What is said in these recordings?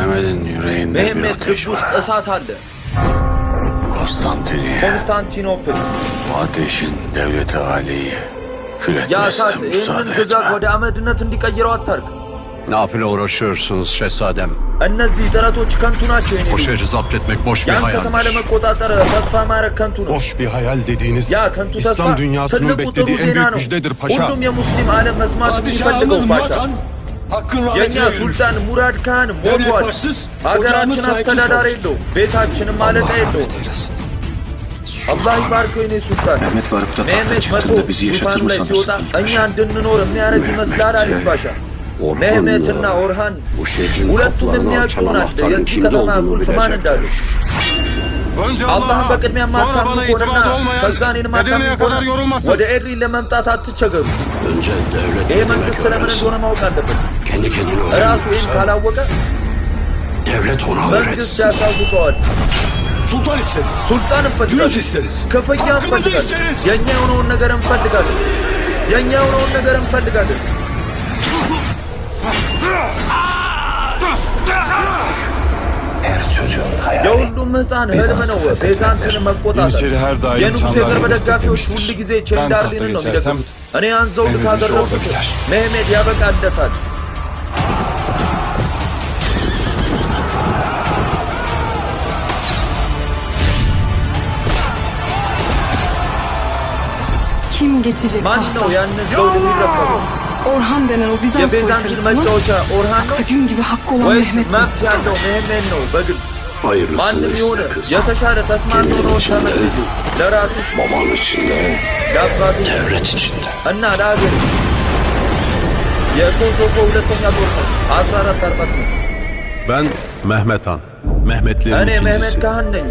Mehmet'in yüreğinde bir Mehmet ateş ልብ ውስጥ var. እሳት አለ። Konstantiniyye. ኮንስታንቲኖፕል Bu ateşin devleti aliyi kül ያ እሳት etmesine ይህንን müsaade ግዛት etme. ወደ አመድነት እንዲቀይረው አታርግ። Nafile uğraşıyorsunuz şehzadem. እነዚህ ጥረቶች ከንቱ ናቸው። የኔ O ልጅ şehri zapt etmek boş bir ያን ከተማ hayaldir. ለመቆጣጠር ተስፋ ማድረግ ከንቱ ነው። Boş bir hayal dediğiniz ያ ከንቱ ተስፋ İslam dünyasının ትልቁ ጥሩ beklediği en ዜና büyük ነው። müjdedir paşa. ሁሉም የሙስሊም ዓለም መስማት የሚፈልገው Padişahımız ፓሻ። Murat Han hakkın የእኛ rahmetine ölmüş. ሱልጣን ሙራድ ካህን Devlet ሞቷል። başsız, ሀገራችን ocağımız sahipsiz አስተዳዳሪ kalmış. የለውም። ቤታችንም ማለቃ የለውም። አላህ ይባርከው የኔ ሱልጣን። Mehmet Faruk da tahta መህመት መቶ çıktığında bizi ዙፋኑ yaşatır mı ላይ ሲወጣ sanırsın? እኛ እንድንኖር የሚያደርግ ይመስላል አሊ ፓሻ። መህመትና ኦርሃን Bu şehrin ሁለቱም kapılarını የሚያውቁ açan ናቸው anahtarın የዚህ kimde ከተማ olduğunu ቁልፍ ማን እንዳሉ። bilecekler. Önce አላህን በቅድሚያ sonra የማታምኑ bana ከሆነና itimat olmayan ከዛ እኔን የማታምኑ Edirne'ye ከሆነ kadar yorulmasın. ወደ ኤድሪ ለመምጣት አትቸገሩ። Önce devlet ይህ ne መንግስት demek ስለምን öğrensin. እንደሆነ ማወቅ አለበት። Kendi kendine ራሱ ይህን öğrenirse ካላወቀ devlet ona መንግስት öğretsin. ያሳውቀዋል። sultan isteriz. ሱልጣን Cülüs እንፈልጋለን፣ isteriz. ክፍያ Hakkımızı እንፈልጋለን፣ isteriz. የእኛ የሆነውን ነገር እንፈልጋለን፣ የእኛ የሆነውን ነገር እንፈልጋለን። የሁሉም ህፃን ህልም ነው ቤዛንትን መቆጣጠር። Yeniçeri her daim የንጉሥ Çandarlı'yı የቅርብ ደጋፊዎች desteklemiştir. ሁል ጊዜ Ben tahta ቼንዳርሊንን ነው geçersem የሚደግፉት። እኔ ያን ዘውድ Mehmet'in işi ካደረኩት orada biter. መህሜድ ያበቃለታል። Kim geçecek ማን tahta? ነው ያንን ዘውድ የሚረከበው? Orhan denen o Bizans የቤዛንትን soytarısı mı? መጫወቻ ኦርሃን ነው Yoksa gün gibi hakkı olan ወይስ Mehmet mi? መብት ያለው መህሜድ ነው? በግልጽ Hayırlısını ማንም የሆነ iste kız. የተሻለ ተስማሚ Kendin ሆነውን içinde, ተመልከቱ። ለራስሽ baban içinde, ለአባቱ devlet içinde. እና ለሀገር የኮሶቮ ሁለተኛ ጦርነት 1448 Ben Mehmet Han. Mehmetlerin እኔ መህመድ ikincisi. ካህን ነኝ።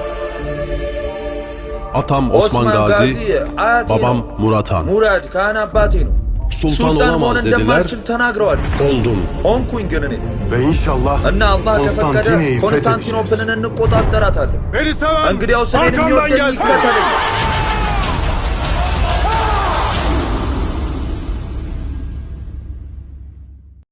Atam Osman Gazi, አያቴ babam ነው። Murat Han. ሙራድ ካህን አባቴ ነው። Sultan መሆን olamaz dediler. እንደማልችል ተናግረዋል። Oldum. ሆንኩኝ ግን እኔ Ve inşallah እና አላህ ከፈቀደ Konstantinye'yi ኮንስታንቲኖፕልን fethedeceğiz. እንቆጣጠራታለን። Beni seven እንግዲያውስ እኔን arkamdan የሚወደኝ gelsin. ይከተለኝ።